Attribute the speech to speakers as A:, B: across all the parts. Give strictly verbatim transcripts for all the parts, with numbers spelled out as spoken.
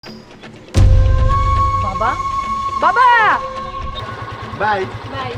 A: বাবা বাবা
B: bye
A: bye.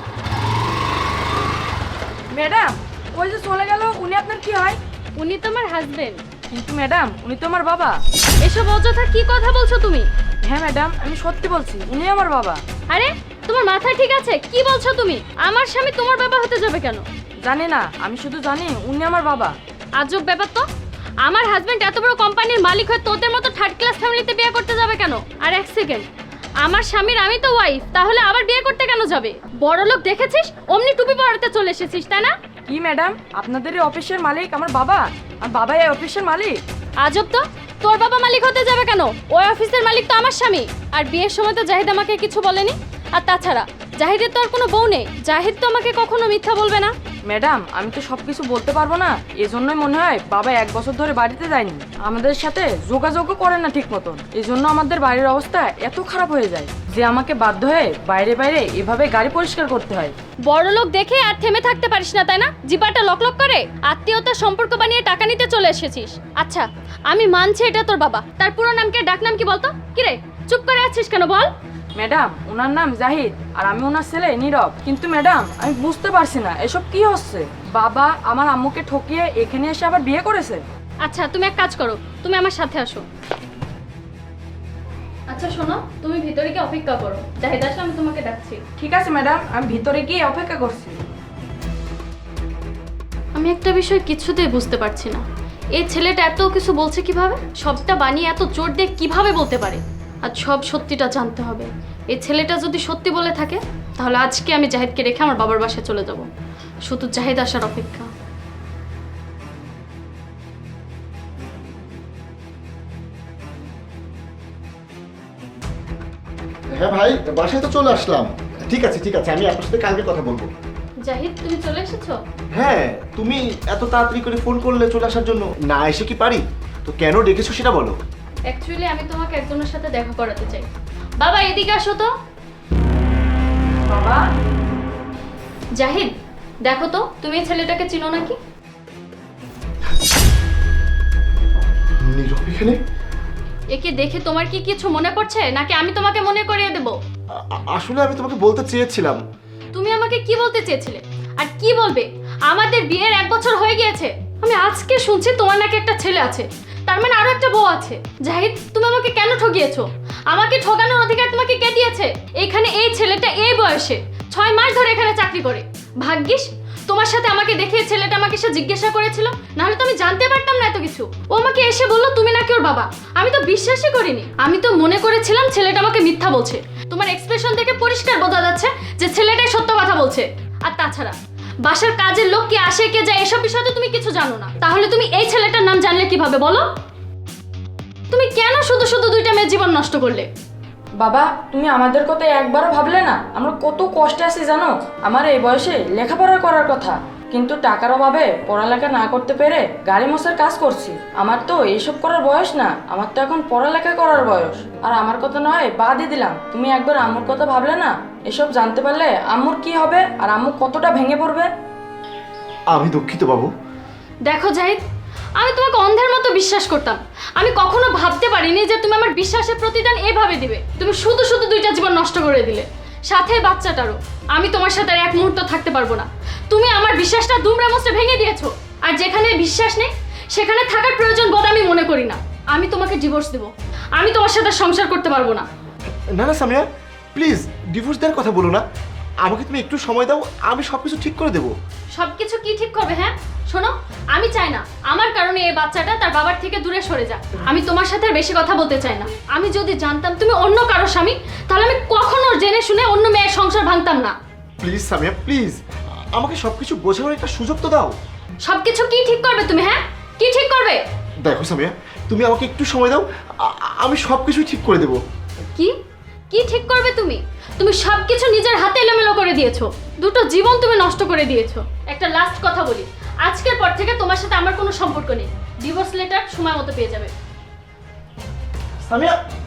A: Madam ওই যে চলে গেল, উনি আপনার কি হয়?
C: উনি তো আমার হাজবেন্ড।
A: কিন্তু ম্যাডাম উনি তো আমার বাবা।
C: এসব অযথা কি কথা বলছো তুমি?
A: হ্যাঁ ম্যাডাম, আমি সত্যি বলছি, উনি আমার বাবা।
C: আরে তোমার মাথা ঠিক আছে? কি বলছো তুমি? আমার স্বামী তোমার বাবা হতে যাবে কেন?
A: জানি না, আমি শুধু জানি উনি আমার বাবা।
C: আজব ব্যাপার তো। আমার হাজবেন্ড এত বড় কোম্পানির মালিক হয়ে তোদের মতো থার্ড ক্লাস ফ্যামিলিতে বিয়ে করতে যাবে কেন? আর এক সেকেন্ড, আমার স্বামীর আমি তো ওয়াইফ, তাহলে আবার বিয়ে করতে কেন যাবে? বড় লোক দেখেছিস, অমনি টুপি পরাতে চলে এসেছিস, তাই না?
A: কি ম্যাডাম, আপনাদের এই অফিসের মালিক আমার বাবা, আর বাবা এই অফিসের মালিক?
C: আজব তো, তোর বাবা মালিক হতে যাবে কেন? ওই অফিসের মালিক তো আমার স্বামী। আর বিয়ের সময় তো জাহিদ আমাকে কিছু বলেনি। আর তাছাড়া জাহিদের তো আর কোনো বউ নেই, জাহিদ তো আমাকে কখনো মিথ্যা বলবে না।
A: ম্যাডাম আমি তো সব কিছু বলতে পারবো না, এজন্যই মনে হয় বাবা এক বছর ধরে বাড়িতে যায়নি, আমাদের সাথে যোগাযোগও করে না ঠিক মতন। এই জন্য আমাদের বাড়ির অবস্থা এত খারাপ হয়ে যায় যে আমাকে বাধ্য হয়ে বাইরে বাইরে এভাবে গাড়ি পরিষ্কার করতে হয়।
C: বড় লোক দেখে আর থেমে থাকতে পারিস না, তাই না? জিপাটা লকলক করে আত্মীয়তার সম্পর্ক বানিয়ে টাকা নিতে চলে এসেছিস। আচ্ছা আমি মানছি এটা তোর বাবা, তার পুরো নাম কি, ডাক নাম কি বলতো? কিরে চুপ করে আছিস কেন বল?
A: ম্যাডাম ওনার নাম জাহিদ আর আমি ওনার ছেলে নীরব। কিন্তু ম্যাডাম আমি বুঝতে পারছি না এসব কি হচ্ছে। বাবা আমার আম্মুকে ঠকিয়ে এখানে এসে আবার বিয়ে করেছে।
C: আচ্ছা তুমি এক কাজ করো, তুমি আমার সাথে আসো। আচ্ছা শোনো, তুমি ভিতরে গিয়ে অপেক্ষা করো, জাহিদ আসলে আমি তোমাকে ডাকছি।
A: ঠিক আছে ম্যাডাম, আমি ভিতরে গিয়ে অপেক্ষা করছি।
C: আমি একটা বিষয় কিছুতেই বুঝতে পারছি না, এই ছেলেটা এত কিছু বলছে কিভাবে? সবটা বানিয়ে এত জোর দিয়ে কিভাবে বলতে পারে? আর সব সত্যিটা জানতে হবে। এই ছেলেটা যদি সত্যি বলে থাকে তাহলে আজকে আমি জাহিদকে রেখে আমার বাবার বাসায় চলে যাব। শুধু জাহিদ আসার অপেক্ষা।
B: হ্যাঁ ভাই, বাসায় তো চলে আসলাম। ঠিক আছে ঠিক আছে, আমি আপনার সাথে কালকে কথা বলবো।
C: জাহিদ তুমি চলে এসেছো?
B: হ্যাঁ, তুমি এত তাড়াতাড়ি করে ফোন করলে চলে আসার জন্য। না এসে কি পারি? তো কেন ডেকেছো সেটা বলো।
C: অ্যাকচুয়ালি আমি তোমাকে একজনের সাথে দেখা করাতে চাই। বাবা এদিকে আসো তো।
A: বাবা
C: জাহিদ দেখো তো, তুমি এই ছেলেটাকে চিনো নাকি?
B: নীরব এখানে?
C: একে দেখে তোমার কি কিছু মনে পড়ছে নাকি আমি তোমাকে মনে করিয়ে দেব?
B: আ- আ- আসলে আমি তোমাকে বলতে চেয়েছিলাম।
C: তুমি আমাকে কি বলতে চেয়েছিলে? আর কি বলবে? আমাদের বিয়ের এক বছর হয়ে গিয়েছে। আমি আজকে শুনছি তোমার নাকি একটা ছেলে আছে, তার মানে আরো একটা বউ আছে। জাহিদ তুমি আমাকে কেন ঠকিয়েছো? আমাকে ঠকানোর অধিকার তোমাকে কে দিয়েছে? এখানে এই ছেলেটা এই বয়সে ছয় মাস ধরে এখানে চাকরি করে। ভাগ্যিস তোমার সাথে আমাকে দেখে এই ছেলেটা আমাকে এসে জিজ্ঞাসা করেছিল, নাহলে তো আমি জানতে পারতাম না এত কিছু। ও আমাকে এসে বললো তুমি নাকি ওর বাবা। আমি তো বিশ্বাসই করিনি, আমি তো মনে করেছিলাম ছেলেটা আমাকে মিথ্যা বলছে। তোমার এক্সপ্রেশন থেকে পরিষ্কার বোঝা যাচ্ছে যে ছেলেটাই সত্য কথা বলছে। আর তাছাড়া বাসার কাজের লোক কি আসে কে যায় এসব বিষয়ে তো তুমি কিছু জানো না, তাহলে তুমি এই ছেলেটার নাম জানলে কিভাবে বলো? তুমি কেন শুধু শুধু দুইটা মেয়ের জীবন নষ্ট করলে?
A: বাবা তুমি আমাদের কথা একবারও ভাবলে না? আমরা কত কষ্টে আছি জানো? আমার এই বয়সে লেখাপড়া করার কথা, কিন্তু টাকার অভাবে পড়ালেখা না করতে পেরে গাড়ি মোছার কাজ করছি। আমার তো এইসব করার বয়স না, আমার তো এখন পড়ালেখা করার বয়স। আর আমার কথা নয় বাদই দিলাম, তুমি একবার আম্মুর কথা ভাবলে না? এসব জানতে পারলে আম্মুর কি হবে আর আম্মু কতটা ভেঙে পড়বে।
B: আমি দুঃখিত বাবু।
C: দেখো জাহিদ, আমি তোমাকে অন্ধের মতো বিশ্বাস করতাম। আমি কখনো ভাবতে পারিনি যে তুমি আমার বিশ্বাসের প্রতিদান এভাবে দিবে। তুমি শুধু শুধু দুইটা জীবন নষ্ট করে দিলে, সাথে বাচ্চাটারও। আমি তোমার সাথে আর এক মুহূর্ত থাকতে পারবো না। তুমি আমার বিশ্বাসটা দুমড়ে মুচড়ে ভেঙে দিয়েছো। আর যেখানে বিশ্বাস নেই সেখানে থাকার প্রয়োজন বোধ আমি মনে করি না। আমি তোমাকে ডিভোর্স দেবো, আমি তোমার সাথে সংসার করতে পারবো না।
B: না না সামিয়া, প্লিজ ডিভোর্স দেওয়ার কথা বলো না। আমাকে তুমি একটু সময় দাও, আমি সব কিছু ঠিক করে দেবো।
C: সবকিছু কি ঠিক করবে? হ্যাঁ শোনো, আমি চাই না আমার কারণে এই বাচ্চাটা তার বাবার থেকে দূরে সরে যাক। আমি তোমার সাথে আর বেশি কথা বলতে চাই না। আমি যদি জানতাম তুমি অন্য কারো স্বামী, তাহলে আমি কখনো জেনে শুনে অন্য মেয়ের সংসার ভাঙতাম না।
B: প্লিজ সামিয়া প্লিজ, আমাকে সব কিছু বোঝানোর একটা সুযোগ তো দাও।
C: সবকিছু কি ঠিক করবে তুমি? হ্যাঁ কি ঠিক করবে?
B: দেখো সামিয়া, তুমি আমাকে একটু সময় দাও, আ- আমি সব কিছুই ঠিক করে দেবো।
C: কি কি ঠিক করবে তুমি? তুমি সবকিছু নিজের হাতে এলোমেলো করে দিয়েছো, দুটো জীবন তুমি নষ্ট করে দিয়েছো। একটা লাস্ট কথা বলি, আজকের পর থেকে তোমার সাথে আমার কোনো সম্পর্ক নেই। ডিভোর্স লেটার সময় মতো পেয়ে যাবে।
B: সামিয়া